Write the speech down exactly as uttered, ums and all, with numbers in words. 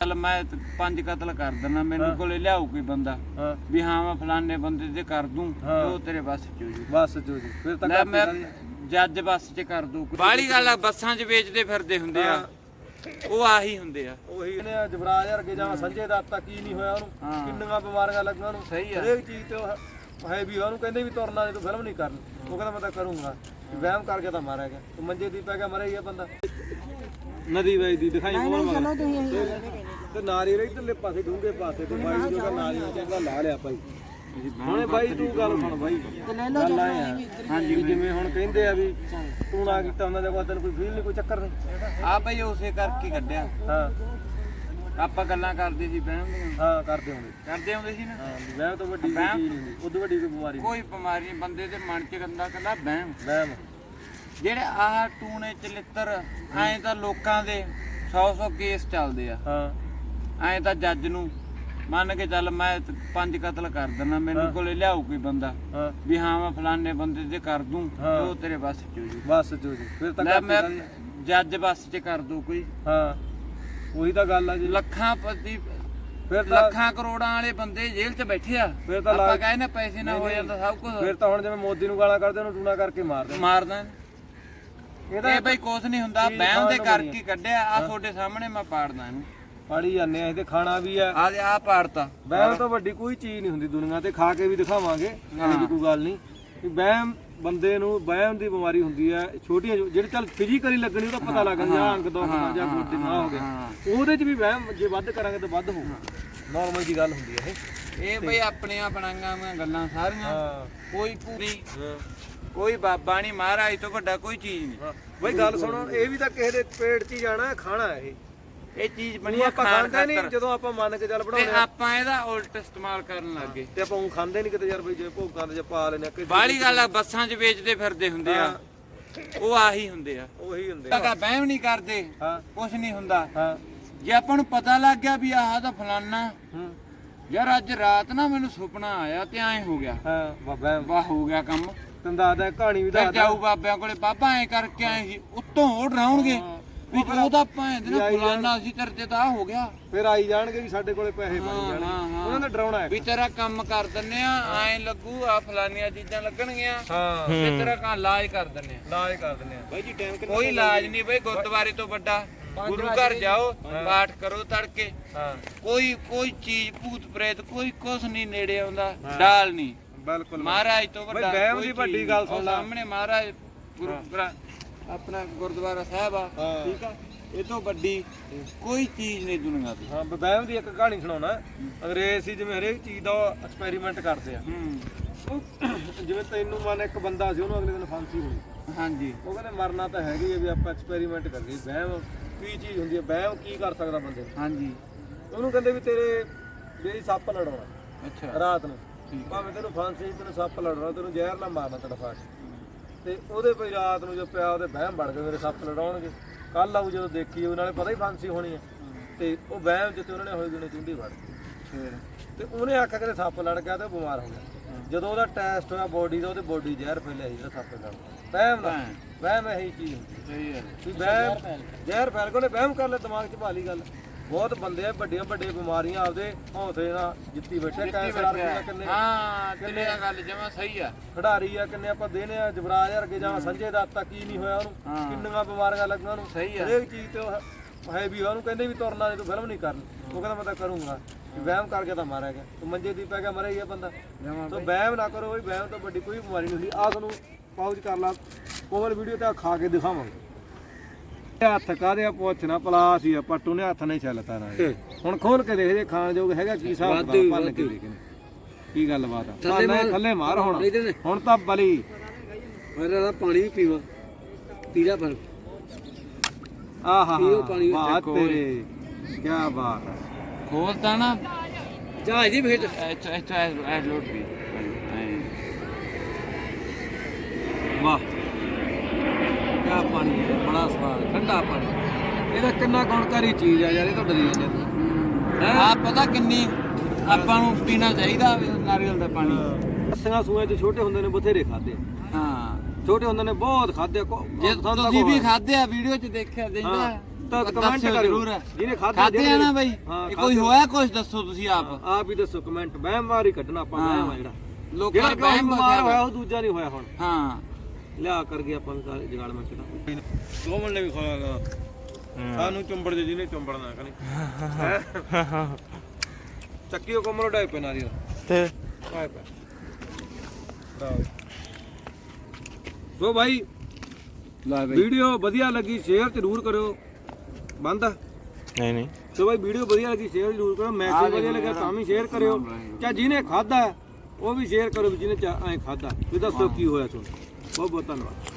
ਚੱਲ ਮੈਂ ਪੰਜ ਕਤਲ ਕਰ ਦਿੰਦਾ, ਮੈਨੂੰ ਕੋਲੇ ਲਿਆਉ ਕੋਈ ਬੰਦਾ ਵੀ ਹਾਂ ਮੈਂ ਫਲਾਣੇ ਬੰਦੇ ਤੇ ਕਰ ਦੂੰ, ਉਹ ਤੇਰੇ ਬੱਸ ਚ ਹੋ ਜੂ। ਬੱਸ ਚ ਹੋ ਜੂ ਫਿਰ ਤਾਂ ਮੈਂ ਜੱਜ ਬੱਸ ਚ ਕਰ ਦੂ। ਬਾਹਲੀ ਗੱਲ ਆ, ਬੱਸਾਂ ਚ ਵੇਚਦੇ ਫਿਰਦੇ ਹੁੰਦੇ ਆ, ਉਹ ਆਹੀ ਹੁੰਦੇ ਆ। ਉਹੀ ਨੇ ਜਵਰਾਜ ਵਰਗੇ ਜਾਂ ਸੰਜੇ ਦੱਤ ਤਾਂ ਕੀ ਨਹੀਂ ਹੋਇਆ ਉਹਨੂੰ, ਕਿੰਨੀਆਂ ਬਿਮਾਰੀਆਂ ਲੱਗੀਆਂ ਉਹਨੂੰ। ਸਹੀ ਆ, ਹਰੇਕ ਚੀਜ਼ ਤੇ ਹੈ ਵੀ ਉਹਨੂੰ ਕਹਿੰਦੇ ਵੀ ਤੁਰਨਾ ਜੇ ਤੂੰ ਫਿਲਮ ਨਹੀਂ ਕਰਨੀ, ਉਹ ਕਹਿੰਦਾ ਮੈਂ ਤਾਂ ਕਰੂੰਗਾ। ਵਹਿਮ ਕਰਕੇ ਤਾਂ ਮਾਰਿਆ ਗਿਆ, ਤੂੰ ਮੰਜੇ ਦੀ ਪੈ ਗਿਆ ਮਰਿਆ ਹੀ ਆ ਬੰਦਾ। ਨਦੀ ਵਜਦੀ ਦਿਖਾਈ ਕੋਲ ਤੇ ਨਾਰੀਅਲ ਇਧਰਲੇ ਪਾਸੇ ਡੂੰਘੇ ਪਾਸੇ ਤੇ ਬਾਈ ਜੋ ਕਾ ਨਾਰੀਅਲ ਚੰਗਾ ਲਾ ਲਿਆ ਭਾਈ। ਹੁਣੇ ਬਾਈ ਤੂੰ ਗੱਲ ਸੁਣ ਬਾਈ, ਗੱਲ ਆਏ ਆ ਹਾਂਜੀ ਜਿਵੇਂ ਹੁਣ ਕਹਿੰਦੇ ਆ ਵੀ ਤੂੰ ਨਾ ਕੀਤਾ ਉਹਨਾਂ ਦੇ ਕੋਲ ਤੈਨੂੰ ਕੋਈ ਫੀਲ ਨਹੀਂ, ਕੋਈ ਚੱਕਰ ਨਹੀਂ ਆ ਬਈ ਉਸੇ ਕਰਕੇ ਕੱਢਿਆ। ਹਾਂ ਆਪਾਂ ਗੱਲਾਂ ਕਰਦੇ ਸੀ ਵਹਿਮ ਦੀਆਂ। ਹਾਂ ਕਰਦੇ ਹੁੰਦੇ ਕਰਦੇ ਹੁੰਦੇ ਸੀ ਨਾ। ਹਾਂ ਵਹਿਮ ਤੋਂ ਵੱਡੀ ਕੋਈ ਚੀਜ਼ ਨਹੀਂ, ਉਦੋਂ ਵੱਡੀ ਕੋਈ ਬਿਮਾਰੀ ਕੋਈ ਬਿਮਾਰੀ ਨਹੀਂ, ਬੰਦੇ ਦੇ ਮਨ ਚ ਗੰਦਾ ਕੱਲਾ ਵਹਿਮ। ਵਹਿਮ ਜਿਹੜੇ ਆਹ ਟੂਣੇ ਚਲਿੱਤਰ ਐਂ ਤਾਂ ਲੋਕਾਂ ਦੇ ਸੌ ਸੌ ਕੇਸ ਚੱਲਦੇ ਆ। ਹਾਂ ਐਂ ਤਾਂ ਜੱਜ ਨੂੰ ਮੰਨ ਕੇ ਚੱਲ ਮੈਂ ਪੰਜ ਕਤਲ ਕਰ ਦਿੰਦਾ, ਮੈਨੂੰ ਕੋਲੇ ਲਿਆਉ ਕੋਈ ਬੰਦਾ ਵੀ ਹਾਂ ਮੈਂ ਫਲਾਣੇ ਬੰਦੇ ਤੇ ਕਰ ਦੂੰ, ਉਹ ਤੇਰੇ ਬੱਸ ਚ ਹੋ ਜੂ। ਬੱਸ ਚ ਹੋ ਜੂ ਫਿਰ ਤਾਂ ਮੈਂ ਜੱਜ ਬੱਸ ਚ ਕਰ ਦੂ ਕੋਈ। ਹਾਂ ਉਹੀ ਤਾਂ ਗੱਲ ਆ ਜੀ। ਲੱਖਾਂ ਪਤੀ ਫਿਰ ਲੱਖਾਂ ਕਰੋੜਾਂ ਵਾਲੇ ਬੰਦੇ ਜੇਲ੍ਹ 'ਚ ਬੈਠੇ ਆ, ਫਿਰ ਤਾਂ ਆਪਾਂ ਕਹਿੰਦੇ ਪੈਸੇ ਨਾ ਹੋ ਜਾਂਦਾ ਸਭ ਕੁਝ। ਫਿਰ ਤਾਂ ਹੁਣ ਜਿਵੇਂ ਮੋਦੀ ਨੂੰ ਗਾਲਾਂ ਕੱਢਦੇ ਉਹਨੂੰ ਟੂਣਾ ਕਰਕੇ ਮਾਰਦੇ ਮਾਰਦਾ। ਇਹ ਬਈ ਕੁਛ ਨਹੀਂ ਹੁੰਦਾ, ਵਹਿਮ ਦੇ ਕਰਕੇ ਕੱਢਿਆ। ਆ ਤੁਹਾਡੇ ਸਾਹਮਣੇ ਮੈਂ ਪਾੜਦਾ ਇਹਨੂੰ, ਪਾੜੀ ਜਾਂਦੇ ਆ ਇਹ ਤੇ ਖਾਣਾ ਵੀ ਆ। ਆ ਆ ਪਾੜਤਾ। ਵਹਿਮ ਤੋਂ ਵੱਡੀ ਕੋਈ ਚੀਜ਼ ਨਹੀਂ ਹੁੰਦੀ ਦੁਨੀਆ ਤੇ, ਖਾ ਕੇ ਵੀ ਦਿਖਾਵਾਂਗੇ, ਇਹ ਵੀ ਕੋਈ ਗੱਲ ਨਹੀਂ। ਵਹਿਮ ਬੰਦੇ ਨੂੰ ਵਹਿਮ ਦੀ ਬਿਮਾਰੀ ਹੁੰਦੀ ਹੈ, ਛੋਟੀਆਂ ਜਿਹੜੇ ਚੱਲ ਫਿਜ਼ੀਕਲੀ ਲੱਗਣੀ ਉਹਦਾ ਪਤਾ ਲੱਗ ਜਾਂਦਾ, ਅੰਗ ਦੁਖਦਾ ਜਾਂ ਗੋਡੇ ਨਾ ਹੋ ਗਿਆ, ਉਹਦੇ 'ਚ ਵੀ ਵਹਿਮ ਜੇ ਵੱਧ ਕਰਾਂਗੇ ਤਾਂ ਵੱਧ ਹੋਊਗਾ। ਨਾਰਮਲ ਜੀ ਗੱਲ ਹੁੰਦੀ ਹੈ ਇਹ। ਇਹ ਬਈ ਆਪਣੀਆਂ ਬਣਾਈਆਂ ਗੱਲਾਂ ਸਾਰੀਆਂ, ਕੋਈ ਪੂਰੀ ਕੋਈ ਬਾਬਾ ਨਹੀਂ, ਮਹਾਰਾਜ ਤੋਂ ਵੱਡਾ ਕੋਈ ਚੀਜ਼ ਨਹੀਂ। ਬਈ ਗੱਲ ਸੁਣੋ, ਇਹ ਵੀ ਤਾਂ ਕਿਸੇ ਦੇ ਪੇਟ 'ਚ ਹੀ ਜਾਣਾ, ਖਾਣਾ ਇਹ ਇਹ ਚੀਜ਼ ਬਣੀ ਆ ਆਪਾਂ ਖਾਂਦੇ ਨਹੀਂ। ਜਦੋਂ ਆਪਾਂ ਮੰਨ ਕੇ ਚੱਲ ਬਣਾਉਂਦੇ ਆਪਾਂ ਇਹਦਾ ਉਲਟ ਇਸਤੇਮਾਲ ਕਰਨ ਲੱਗ ਗਏ ਤੇ ਆਪਾਂ ਉਹ ਖਾਂਦੇ ਨਹੀਂ ਕਿਤੇ ਯਾਰ ਬਈ, ਜੇ ਭੋਗਾਂ ਤੇ ਜੇ ਪਾ ਲੈਨੇ ਆ। ਬਾਹਲੀ ਗੱਲ ਆ, ਬੱਸਾਂ 'ਚ ਵੇਚਦੇ ਫਿਰਦੇ ਹੁੰਦੇ ਆ, ਉਹ ਆਹੀ ਹੁੰਦੇ ਆ। ਉਹੀ ਹੁੰਦੇ ਆ। ਵਹਿਮ ਨਹੀਂ ਕਰਦੇ, ਕੁਛ ਨਹੀਂ ਹੁੰਦਾ। ਹਾਂ ਜੇ ਆਪਾਂ ਨੂੰ ਪਤਾ ਲੱਗ ਗਿਆ ਵੀ ਆਹ ਤਾਂ ਫਲਾਨਾ, ਯਾਰ ਅੱਜ ਰਾਤ ਨਾ ਮੈਨੂੰ ਸੁਪਨਾ ਆਇਆ ਤੇ ਐਂ ਹੋ ਗਿਆ, ਹਾਂ ਬਾਬਾ ਵਾਹ ਹੋ ਗਿਆ ਕੰਮ। ਤੈਨੂੰ ਦੱਸਦਾ ਕਹਾਣੀ ਵੀ ਦੱਸਦਾ, ਜਾਊ ਬਾਬਿਆਂ ਕੋਲੇ, ਬਾਬਾ ਐਂ ਕਰਕੇ ਆਏ ਸੀ, ਉੱਤੋਂ ਉਹ ਡਰਾਉਣਗੇ ਵੀ ਉਹਦਾ ਭਾਂ ਦੇ ਨਾ ਫਲਾਨਾ ਸੀ, ਤੇਰੇ ਤੇ ਤਾਂ ਹੋ ਗਿਆ। ਫਿਰ ਆਈ ਜਾਣਗੇ ਵੀ ਸਾਡੇ ਕੋਲੇ ਪੈਸੇ ਬਣ ਜਾਣਗੇ, ਉਹਨਾਂ ਨੇ ਡਰਾਉਣਾ ਹੈ ਵੀ ਤੇਰਾ ਕੰਮ ਕਰ ਦਿੰਨੇ ਆ, ਐਂ ਲੱਗੂ ਆ ਫਲਾਨੀਆਂ ਚੀਜ਼ਾਂ ਲੱਗਣਗੀਆਂ, ਹਾਂ ਤੇ ਤੇਰਾ ਕੰਮ ਇਲਾਜ ਕਰ ਦਿੰਨੇ ਆ। ਇਲਾਜ ਕਰ ਦਿੰਨੇ ਆ ਬਾਈ ਜੀ। ਟਾਈਮ ਕਿੰਨਾ? ਕੋਈ ਇਲਾਜ ਨਹੀਂ ਬਈ, ਗੁਰਦੁਆਰੇ ਤੋਂ ਵੱਡਾ ਗੁਰੂ ਘਰ ਜਾਓ, ਪਾਠ ਕਰੋ ਤੜਕੇ, ਕੋਈ ਕੋਈ ਚੀਜ਼ ਭੂਤ ਪ੍ਰੇਤ ਕੋਈ ਕੁਛ ਨਹੀਂ ਨੇੜੇ ਆਉਂਦਾ, ਡਾਲ ਨਹੀਂ। ਬਿਲਕੁਲ ਮਹਾਰਾਜ ਤੋਂ ਵੱਡਾ ਵਹਿਮ ਦੀ ਵੱਡੀ ਗੱਲ ਸੁਣ ਲੈ, ਸਾਹਮਣੇ ਮਹਾਰਾਜ ਗੁਰੂ ਆਪਣਾ ਗੁਰਦੁਆਰਾ ਸਾਹਿਬ ਆ, ਠੀਕ ਆ, ਇਹ ਤੋਂ ਵੱਡੀ ਕੋਈ ਚੀਜ਼ ਨਹੀਂ ਦੁਨੀਆ ਦੀ। ਹਾਂ ਵਹਿਮ ਦੀ ਇੱਕ ਕਹਾਣੀ ਸੁਣਾਉਣਾ। ਅੰਗਰੇਜ਼ ਸੀ ਜਿਵੇਂ ਹਰੇਕ ਚੀਜ਼ ਦਾ ਐਕਸਪੈਰੀਮੈਂਟ ਕਰਦੇ ਆ। ਜਿਵੇਂ ਤੈਨੂੰ ਮੰਨ ਇੱਕ ਬੰਦਾ ਸੀ, ਉਹਨੂੰ ਅਗਲੇ ਦਿਨ ਫਾਂਸੀ ਹੋਈ, ਹਾਂਜੀ, ਉਹ ਕਹਿੰਦੇ ਮਰਨਾ ਤਾਂ ਹੈਗੀ ਹੈ ਵੀ ਆਪਾਂ ਐਕਸਪੈਰੀਮੈਂਟ ਕਰੀਏ। ਵਹਿਮ ਕੀ ਚੀਜ਼ ਹੁੰਦੀ ਹੈ, ਵਹਿਮ ਕੀ ਕਰ ਸਕਦਾ ਬੰਦੇ ਨੂੰ। ਹਾਂਜੀ, ਉਹਨੂੰ ਕਹਿੰਦੇ ਵੀ ਤੇਰੇ ਜਿਹੜੀ ਸੱਪ ਲੜਾਉਣਾ, ਅੱਛਾ ਰਾਤ ਨੂੰ ਭਾਵੇਂ ਤੈਨੂੰ ਫਾਂਸੀ, ਤੈਨੂੰ ਸੱਪ ਲੜਾਉਣਾ, ਤੈਨੂੰ ਜ਼ਹਿਰ ਨਾ ਮਾਰਨਾ ਤੜਫਾ ਕੇ, ਤੇ ਉਹਦੇ ਕੋਈ ਰਾਤ ਨੂੰ ਜੋ ਪਿਆ ਉਹਦੇ ਵਹਿਮ ਬਣ ਗਏ ਮੇਰੇ ਸੱਪ ਲੜਾਉਣਗੇ, ਕੱਲ ਆਊ ਜਦੋਂ ਦੇਖੀ ਉਹ ਨਾਲੇ ਪਤਾ ਹੀ ਫਾਂਸੀ ਹੋਣੀ ਹੈ, ਤੇ ਉਹ ਵਹਿਮ ਜਿੱਤੇ ਉਹਨਾਂ ਨੇ ਹੋਈ ਗਏ ਚੁੰਡੀ ਵੜ ਗਈ, ਤੇ ਉਹਨੇ ਆਖਿਆ ਕਿ ਸੱਪ ਲੜ ਗਿਆ ਤੇ ਉਹ ਬਿਮਾਰ ਹੋ ਗਿਆ। ਜਦੋਂ ਉਹਦਾ ਟੈਸਟ ਹੋਇਆ ਬੋਡੀ ਦਾ, ਉਹਦੇ ਬੋਡੀ ਜ਼ਹਿਰ ਫੈਲਿਆ ਸੀ ਜਿਹੜਾ ਸੱਪ ਲੜ। ਵਹਿਮ ਦਾ ਵਹਿਮ ਇਹੀ ਚੀਜ਼ ਹੁੰਦੀ ਹੈ ਵੀ ਵਹਿਮ ਜ਼ਹਿਰ ਫੈਲ ਗਿਆ, ਉਹਨੇ ਵਹਿਮ ਕਰ ਲਿਆ, ਦਿਮਾਗ 'ਚ ਪਾ ਲਈ ਗੱਲ। ਬਹੁਤ ਬੰਦੇ ਆ ਵੱਡੀਆਂ ਵੱਡੀਆਂ ਬਿਮਾਰੀਆਂ ਆਪਦੇ ਹੌਸਲੇ ਨਾਲ ਜਿੱਤੀ ਬੈਠੇ, ਕੈਂਸਰ ਵਰਗੇ ਕਿੰਨੇ, ਹਾਂ ਕਿੰਨੇ ਗੱਲ ਜਮਾ ਸਹੀ ਆ, ਖਿਡਾਰੀ ਆ ਕਿੰਨੇ ਆਪਾਂ ਦੇਨੇ ਆ, ਜਵਰਾਜ ਵਰਗੇ ਜਾਂ ਸੰਜੇ ਦੱਤ ਤਾਂ ਕੀ ਨਹੀਂ ਹੋਇਆ ਉਹਨੂੰ, ਕਿੰਨੀਆਂ ਬਿਮਾਰੀਆਂ ਲੱਗੀਆਂ ਉਹਨੂੰ। ਸਹੀ ਆ, ਹਰੇਕ ਚੀਜ਼ ਤੇ ਹੈ ਵੀ ਉਹਨੂੰ ਕਹਿੰਦੇ ਵੀ ਤੁਰਨਾ ਜੇ ਤੂੰ ਫਿਲਮ ਨਹੀਂ ਕਰਨੀ, ਉਹ ਕਹਿੰਦਾ ਮੈਂ ਤਾਂ ਕਰੂੰਗਾ। ਵਹਿਮ ਕਰਕੇ ਤਾਂ ਮਾਰਿਆ ਗਿਆ, ਤੂੰ ਮੰਜੇ ਦੀ ਪੈ ਗਿਆ ਮਰਿਆ ਹੀ ਆ ਬੰਦਾ। ਸੋ ਵਹਿਮ ਨਾ ਕਰੋ ਬਈ, ਵਹਿਮ ਤੋਂ ਵੱਡੀ ਕੋਈ ਬਿਮਾਰੀ ਨਹੀਂ ਹੁੰਦੀ। ਆਹ ਤੁਹਾਨੂੰ ਪਾਉਚ ਕਰ ਲਾ ਕੋਮਲ ਵੀਡੀਓ ਤੇ ਖਾ ਕੇ ਦਿਖਾਵਾਂਗੇ। ਹੱਥ ਕਾਹਦੇ ਆ ਪੁੱਛਣਾ, ਪਲਾਸ ਹੀ ਆ, ਪੱਟੂ ਨੇ ਹੱਥ ਨਹੀਂ ਛੱਲਤਾ ਨਾ। ਹੁਣ ਖੋਲ ਕੇ ਦੇਖ ਜੇ ਖਾਣ ਯੋਗ ਹੈਗਾ ਕੀ ਹਿਸਾਬ ਭੰਨ ਕੇ ਦੇਖ ਕੀ ਗੱਲ ਬਾਤ ਆ। ਥੱਲੇ ਮਾਰ ਹੁਣ, ਹੁਣ ਤਾਂ ਬਲੀ ਮੇਰਾ ਪਾਣੀ ਵੀ ਪੀਵਾ ਪੀਲਾ ਪਰ ਆਹਾ ਬਾਤ ਤੇਰੇ ਕੀ ਬਾਤ ਹੈ। ਖੋਲਤਾ ਨਾ ਜਹਾਜ਼ ਦੀ ਫੇਟ ਅੱਛਾ ਅੱਛਾ ਐ ਲੋਡ ਵੀ ਵਾਹ ਕਿਆ ਪਾਣੀ ਹੈ, ਬੜਾ ਸਵਾਦ ਠੰਡਾ ਪਾਣੀ। ਇਹਦਾ ਕਿੰਨਾ ਗੁਣਕਾਰੀ ਚੀਜ਼ ਆ ਯਾਰ, ਇਹ ਤਾਂ ਡਰੀ ਜਾਂਦੇ ਆ। ਪਤਾ ਕਿੰਨੀ ਆਪਾਂ ਨੂੰ ਪੀਣਾ ਚਾਹੀਦਾ ਨਾਰੀਅਲ ਦਾ ਪਾਣੀ। ਅੱਸੀਆਂ ਸੂਆਂ 'ਚ ਛੋਟੇ ਹੁੰਦੇ ਨੇ ਬਥੇਰੇ ਖਾਦੇ, ਹਾਂ ਛੋਟੇ ਹੁੰਦੇ ਨੇ ਬਹੁਤ ਖਾਦੇ। ਜੇ ਤੁਸੀਂ ਵੀ ਖਾਦੇ ਆ, ਵੀਡੀਓ 'ਚ ਦੇਖਿਆ ਦੇਖਦਾ ਤਾਂ ਕਮੈਂਟ ਕਰਿਓ ਜਿਹਨੇ ਖਾਧਾ ਖਾਦੇ ਆ ਨਾ ਬਈ ਹਾਂ, ਇਹ ਕੋਈ ਹੋਇਆ ਕੁਝ ਦੱਸੋ ਤੁਸੀਂ ਆਪ ਆਪ ਹੀ ਦੱਸੋ ਕਮੈਂਟ ਵਹਿਮ ਮਾਰ ਹੀ ਕੱਢਣਾ ਆਪਾਂ ਵਹਿਮ ਆ ਜਿਹੜਾ ਲੋਕਾਂ ਜਿਹੜਾ ਦਾ ਵਹਿਮ ਵਹਿਮ ਬਿਮਾਰ ਹੋਇਆ ਉਹ ਦੂਜਾ ਨਹੀਂ ਹੋਇਆ ਹੁਣ ਹਾਂ ਲਿਆ ਕਰਕੇ ਆਪਾਂ ਨੂੰ ਜਗਾੜ ਮੈਂ ਕਿਹੜਾ ਦੋਵਣ ਨੇ ਵੀ ਖੋਇਆ ਸਾਨੂੰ ਚੁੰਬੜ ਜੇ ਜਿਹਨੇ ਚੁੰਬੜਨਾ ਕਨੀ ਚੱਕੀ ਕੋ ਮਰੋ ਡਾਈ ਪੈਣਾ ਦੀ ਤੇ ਪਾਇ ਪਾ ਸੋ ਭਾਈ ਲੈ ਬਈ ਵੀਡੀਓ ਵਧੀਆ ਲੱਗੀ ਸ਼ੇਅਰ ਜ਼ਰੂਰ ਕਰਿਓ ਬੰਦ ਨਹੀਂ ਨਹੀਂ ਸੋ ਭਾਈ ਵੀਡੀਓ ਵਧੀਆ ਲੱਗੀ ਸ਼ੇਅਰ ਜ਼ਰੂਰ ਕਰੋ ਮੈਸੇਜ ਵਧੀਆ ਲੱਗਾ ਤਾਂ ਵੀ ਸ਼ੇਅਰ ਕਰਿਓ ਚਾਹ ਜਿਹਨੇ ਖਾਦਾ ਉਹ ਵੀ ਸ਼ੇਅਰ ਕਰੋ ਜਿਹਨੇ ਐ ਖਾਦਾ ਵੀ ਦੱਸੋ ਕੀ ਹੋਇਆ ਤੁਹਾਨੂੰ ਬਹੁਤ ਬਹੁਤ ਧੰਨਵਾਦ।